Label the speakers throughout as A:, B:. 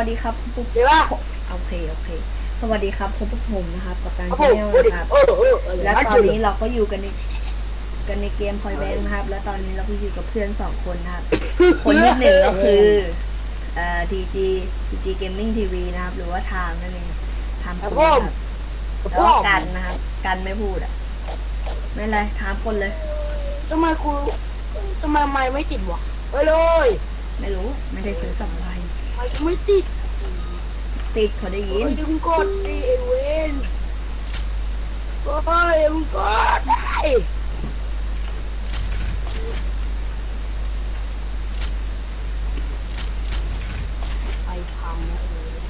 A: วัสดีครับปุ๊บ
B: เดี๋ยวว่า
A: โอเคสวัสดีครับพบกับผมนะครับกับการ
B: โอ้
A: ชา
B: โห
A: แนลนะครับและตอนนี้เราก็อยู่กันในเกมพอยแบงค์นะครับและตอนนี้เราก็อยู่กับเพื่อน2 คนนะครับคนที่หนึ่งก็คือDG Gaming TV นะครับหรือว่าไทม์นั่นเองไทม์คนนะครับแล้วก็กันนะครับกันไม่พูดอ่ะไม่เป็นไรไทม์คนเลย
B: ทำไมไม่ติดวะไปเลย
A: ไม่รู้ไม่ได้ซื้อสัมภาระ
B: ไม่ติด
A: ติดเขาได้ยิน
B: ดึงกดดิเอเวนโอ้ยมึงกดได้ไปพังแล้ว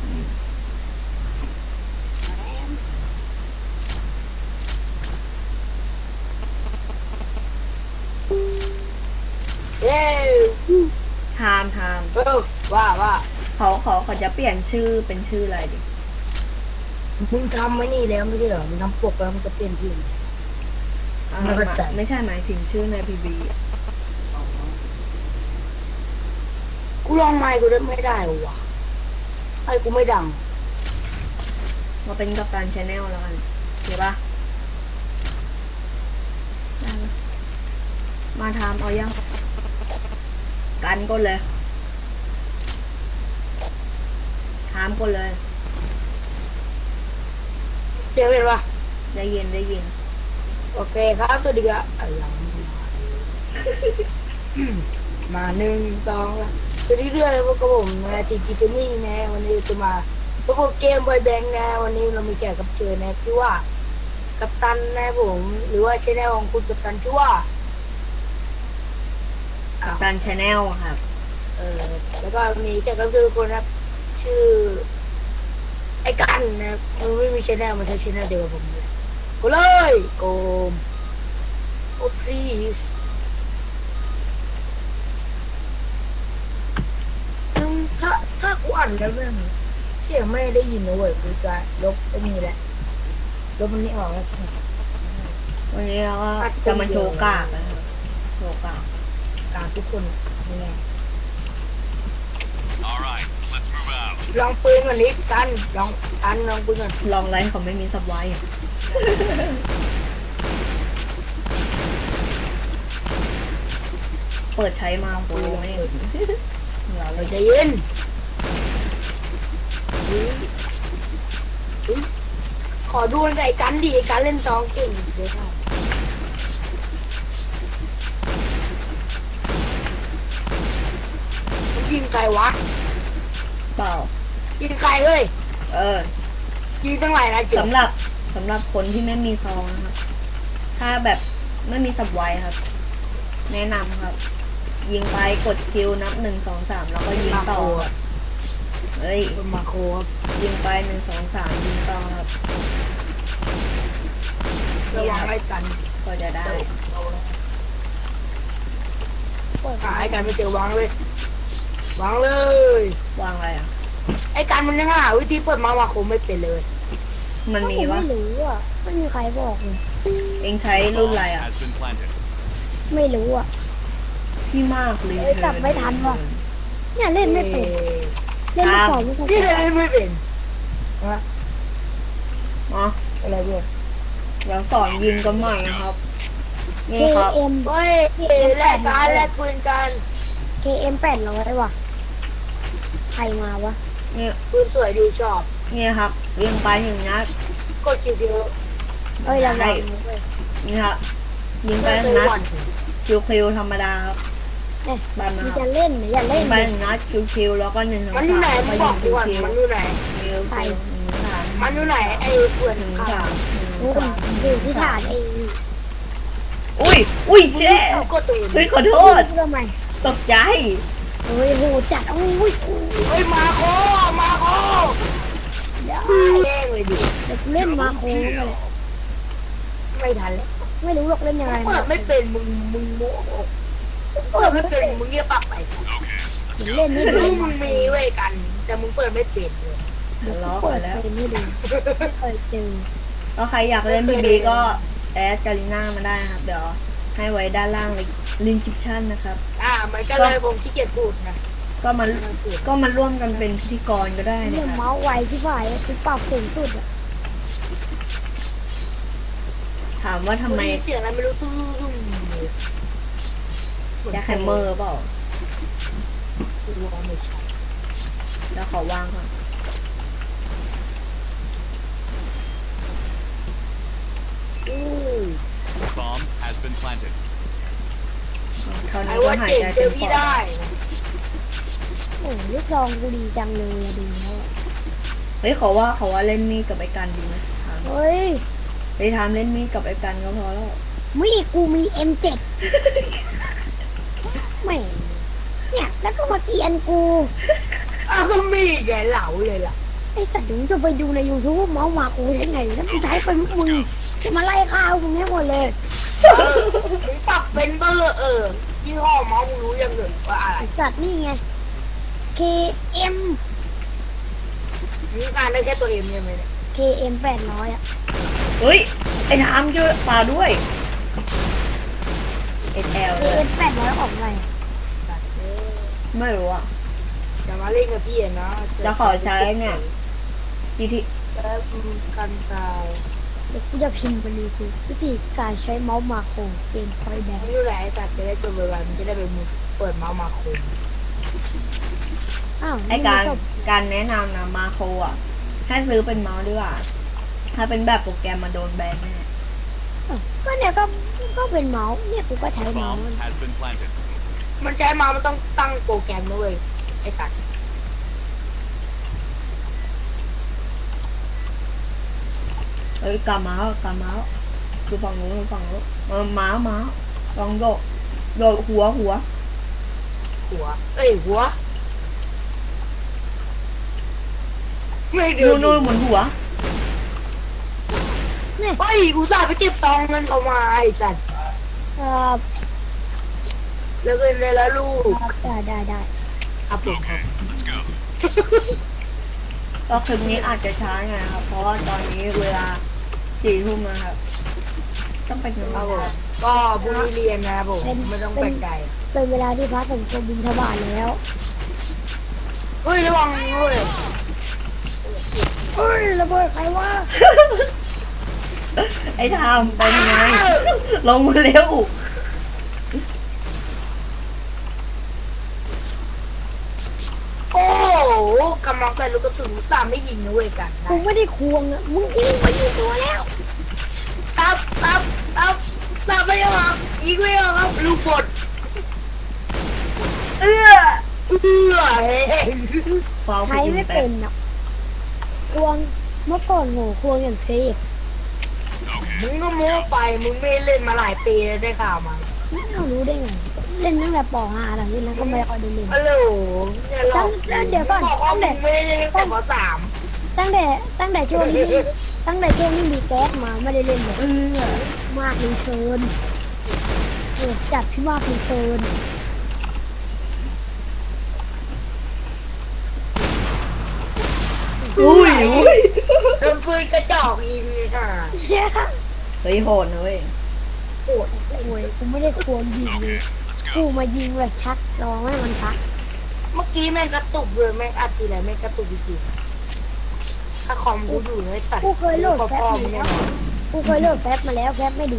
B: เย้
A: ไทม์
B: ว่า
A: เขาจะเปลี่ยนชื่อเป็นชื่ออะไรดิ
B: มึงทำไว้นี่แล้วไม่ใช่เหรอมึงทำปกแล้วมันจะเปลี่ยนทีม ไม่เข้าใจ
A: ไม่ใช่หมายถึงชื่อในพีบี
B: กูลองไมค์กูได้ไม่ได้วะไอ้กูไม่ดัง
A: มาเป็นกัปตันชาแนลแล้วกันเห็นปะได้ปะมาทำเอายังกันก็เลยถามก็เลย
B: เจ๊เป็นปะ
A: ได้ยิน
B: โอเคครับสวัสดีครับยังมา1 2สวัสดีเรื่องพวกกับผมนะทีจีเกมมิ่งนะวันนี้จะมาพวกเกมบอยแบงค์นะวันนี้เรามีแขกรับเชิญนะชื่อว่ากัปตันนะผมหรือว่าชแนลของคุณกัปตันชื่อว่า
A: กัปตันชาแนลครับ
B: แล้วก็มีแขกรับเชิญคนนะครับชื่อไอ้กันนะมันไม่มีชแนลมันใช้ชแนลเดียวกับผมเลยก็เลยโกมโอ้ please ถ้ากูอ่านแล้วเนี่ยเสียงไม่ได้ยินนะเว้ยกูจะลบไอ้นี่แหละลบมันนี่ออกแล้วใช่ไหม
A: วันนี้เราก็จะมาโชว์กากนะครับโชว์กาก
B: การทุกคนนี่ไง
C: All right, let's move out.
B: ลองปืนก่อนนิดกันลองปืนก่อน
A: ลองไลฟ์เขาไม่มีซับไว้อะเปิดใช้มาโอ้ยไม่เราเล
B: เรา
A: ย
B: จะเย็นขอดูไอ้กันดิไอ้กันเล่นซองเก่งเดี๋ยวครับยิงใครวะ
A: เปล่า
B: ยิงใครเอ้ย ยิงตั้งหลายนะเจ๋ง
A: สำหรับคนที่ไม่มีซองนะครับถ้าแบบไม่มีสับไว้ครับ แนะนำครับ ยิงไปกดคิวนับ1 2 3แล้วก็ยิงต่อครับเฮ้ย
B: เป็นมาโคครับ
A: ยิงไป1 2 3ยิงต่อครับ
B: ระวังไอ้กัน
A: ก็จะได้
B: หาไอ้กันไม่เจอวางเลยวางเลย
A: วางอะไรอ่ะ
B: ไอ้กันมันยังหาวิธีเปิดมาโคไม่เป็นเลย
A: มันมีวะ
D: ไม่รู้อ่ะไม่มีใครบอกเลย
A: เองใช้รุ่นอะไรอ่ะ
C: Has been planted.
D: ไม่รู้อ่ะ
A: พี่มากเลย
D: เอ้ยจับไม่ทันว่ะ เนี่ยเล่นไม่เป็นเล่นไม่พอไม่เข้าใจ
B: นี่เลยไม่เป็นฮะ
A: อ๋อ
B: อะไรเพื่อน
A: เดี๋ยวสอนยิงกันใหม่นะครับ
D: เค
A: นี่ครับ
D: เอ็ม
B: เฮ้ยแลกปืนกัน
D: KM 800ว่ะใครมาวะ
A: เนี่ย
B: ปืนสวยดูชอบ
A: เนี่ยครับยิงไป1 นัด
B: กดคิวเดียว
D: เอ้ยระวัง
A: ได้
D: นะเว้ย
A: นี่ครับยิงไป1 นัดคิวธรรมดาครับ
D: เนี่ย
A: บ้านมา
D: มัน
A: ค
D: จะ
A: รับ
D: เล่นหรืออย่า
A: ยิ
D: เล่น
A: งไป
D: เนี่ย
A: 1 นัดคิวแล้วก็1 2 3
B: มันอยู่ไหนมึงบอกกูก่อน
A: คิว
B: มันอยู่ไหน
A: คิว
B: มันอยู่ไหนไอ้เพื่อน
A: 1
B: ข้า
A: 3
D: นู่นอยู่ที่ฐานเอง
A: อุ้ยเจ๊
B: ก็ตัวเอง
A: เฮ้ยขอโทษ
D: ทำไม
A: ตกใจ
D: เฮ้ยโหจัดอุ้ย
B: เฮ้ยมาโคแย่งเลยดิ
D: เด็กเล่นมาโค้งเลย
B: ไม่ทันแล้ว
D: ไม่รู้หรอกเล่นยังไง
B: เปิดไม่เป็นมึงโม้เปิดไม่เป็นมึงเงียบปากไป
C: Okay,
D: เล่นไม่
B: รู้
D: ดี
B: มึงมีเว้ยกัน แต่มึงเปิดไม่เป็นเลย
A: ล้อ
D: เปิ
A: ไป
D: ด
A: แล้ว
D: เป็นไม่ดีไม่เคยเจอ
A: ก็ใครอยากเล่นบีบีก็แอดกาลิน่ามาได้นะครับ เดี๋ยวให้ไว้ด้านล่างเลยลิงก์คลิปชั่นนะครับ
B: มันก็เลยผมขี้เกียจพูดนะ
A: ก็มาร่วมกันเป็นพิธีกรก็ได้
D: เรื่
A: นะ
D: อง
A: ครับ
D: เมาส์ไวที่ฝ่ายคือปรับสูงสุดอะ
A: ถามว่าทำไม
B: เสียงอะไรไม่รู้ตุ้ม
A: แจ็คแฮมเมอร์เปล่า
B: ไม่ใช่
A: แล้วขอวางก่อน
B: อู้
C: Bomb has been planted.
A: เท่า
B: ไอ้
A: นี้ก็
B: ว่า
A: หาย
B: เก่ง
A: ใจ
B: เจ
A: เต็
B: อ
A: มป
B: พี่
A: อด
B: ได้
D: โอ้ลูกซองกูดีจังเลยอะดีแล้วอะ
A: เฮ้ยเขาว่าเล่นมีดกับไอ้กันดีไหมถาม
D: เฮ้ย
A: ไปทำเล่นมีดกับไอ้กันก็พอแล้ว
D: มีกูมี M7 แหม่เนี่ยแล้วก็มาเกลียนกู
B: อ้าวก็มีแกเหลาเลยล่ะ
D: ไอ้สัตว์เดี๋ยวมึงจะไปดูใน YouTube ว่าเมาส์มากูได้ไงแล้วมึงใช้เป็นมึงจะมาไล่ข้าวมึงให้หมดเลย
B: มึงปรับเป็นเบอร์ยี่ห้อเมาส์มึงรู้ยังเหรอว่าอะไร
D: ไอ้สัตว์นี่ไง KM
B: มึงการได้แค่ตัวเอ็มใช่ไหมเนี่ย
D: KM 800อะ
A: เฮ้ยไอ้ทามช่วยปลาด้วย SL เลย
D: KM 800ของอะไรอะ
B: สัตว์เอ้ย
A: ไม่รู้อ่ะ
B: อย่ามาเล่นกับพี่อะนะ
A: แล้วขอใช้เนี่ย GT
B: แล้วกันตาย
D: เดี๋ยวกูจะพิมพ์ไปเลยคือวิธีการใช้เมาส์มาโครเกมคอยแดง
B: ไม่รู้แหละไอ้สัตว์จะได้ตัวไวๆมันจะได้ไปมือเปิดเมาส์มาคม
D: อ้าว
A: ไอ้การแนะนำนะมาโครอ่ะให้ซื้อเป็นเมาส์ดีกว่า ถ้าเป็นแบบโปรแกรมมาโดนแบนแน่
D: ก็เนี่ยก็เป็นเมาส์เนี่ยกูก็ใช้เมาส์
C: Bomb has been planted.
B: มันใช้เมาส์มันต้องตั้งโปรแกรมด้วยไอ้สัตว์
A: เฮ้ยกาเมาส์คือฝั่งนู้นเมาส์ลองโดดหัว
B: หัวไม่เดือ
A: นู่นหมุนหัว
B: เฮ้ยอุตส่าห์ไปเก็บซองเงินเขามาไอ้สัตว์
D: ครับ
B: แล้วเงินเลยละลูก
D: ได้
B: ครับผมครับ
C: Let's go.
A: ก็คลิปนี้อาจจะช้าไงครับ เพราะว่าตอนนี้เวลา4 ทุ่มนะครับ ต้องไปนอน
B: ครับผม
A: ครับ
B: ก็บุรีเรียนนะครับผมไม่ต้องแปลกใจ
D: เป็นเวลาที่พระสงฆ์จะบินทบาทแล้ว
B: เฮ้ยระวังด้วย
D: เฮ้ยระเบิดใครวะ
A: ไอ้ทามเป็นไง ลงมาเร็ว
B: โอ้โหกำลังใส่ลูกกระสุนอุตส่าห์ไม่ยิงนะเว้ยกัน
D: กูไม่ได้ควงอะมึงยิงไปอยู่ตัวแล้ว
B: ตับไม่ออกยิงไม่ออกครับลูกบด
A: เอื้อ
B: เฮ้ย
A: ฟาว
D: ใช้ไม่เป็นอะควงเมื่อก่อนโหควงอย่างเซฟ
B: มึงก็โม้ไปมึงไม่เล่นมาหลายปีแล้วได้ข่าวมา
D: ไม่รู้ได้ไง เล่นตั้งแต่ป .5 หลังจากนั้นก็ไม่ค่อยได้เล่น
B: ฮัลโหลเนี่ยหลอก
D: เดี๋ยวก่อน
B: บอกว่ามึงไม่ได้เล่นตั้งแต่ป
D: ตั้งแต่ช่วงนี้มีแก๊สมาไม่ได้เล่นเลย
A: เอื้อ
D: มากรีเทิร์นจัดพี่มากรีเทิร์น
A: อุ้ย
B: โดนปืนกระจอกยิงเลยค่ะ
D: เชี่ยค่ะ
A: เฮ้ยโหดนะเว้ย
B: โหด
D: โอ้ยกูไม่ได้ควงยิงเลยกูมายิงแบบชักลองให้มันชัก
B: เมื่อกี้แม่งกระตุกเลยแม่งอัดทีไรแม่งกระตุกจริงๆถ้าคอมกูอยู่ในสัตว์
D: กูเคยโหลดแฟบ
B: พ่อ
D: มา
B: มึง
D: แล้
B: แน่
D: วน
B: อน
D: กูเคยโหลดแฟบมาแล้วแฟบไม่ดี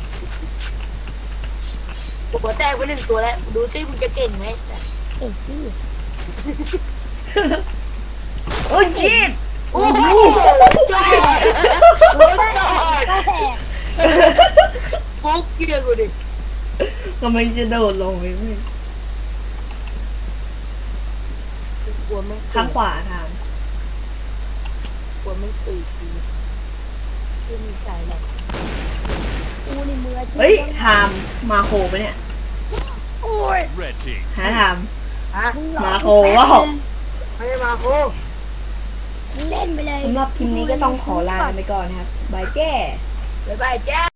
B: หัวแตกไป1 ตัวแล้วดูซิมึงจะเก่งไหม
D: เอ๊ะพี่
A: โอ้ยชิด
B: โอ้โหจอดจอด
D: ก็แตก
B: ฟุกเกียร์กูดิ
A: ทำไมจะโดดลงไปไม่
B: กลัวไม่
A: ข้างขวาทาม
B: กลัวไม่ตื่นที่มีสายแหลก
D: กูในมืออาชีพ
A: เฮ้ยทามมาโคปะเนี่ย
D: โอ้ย
C: Red team.
A: หาทาม
B: ฮะ
D: มึงหลอก
A: มาโค
D: กูแฟบ
A: ว่า
B: ไม่ได้มาโค
D: มึงเล่นไปเลย
A: สำหรับคลิปนี้ก็ต้องขอลาไปก่อนนะครับบายแจ้
B: บ๊ายบายจ้า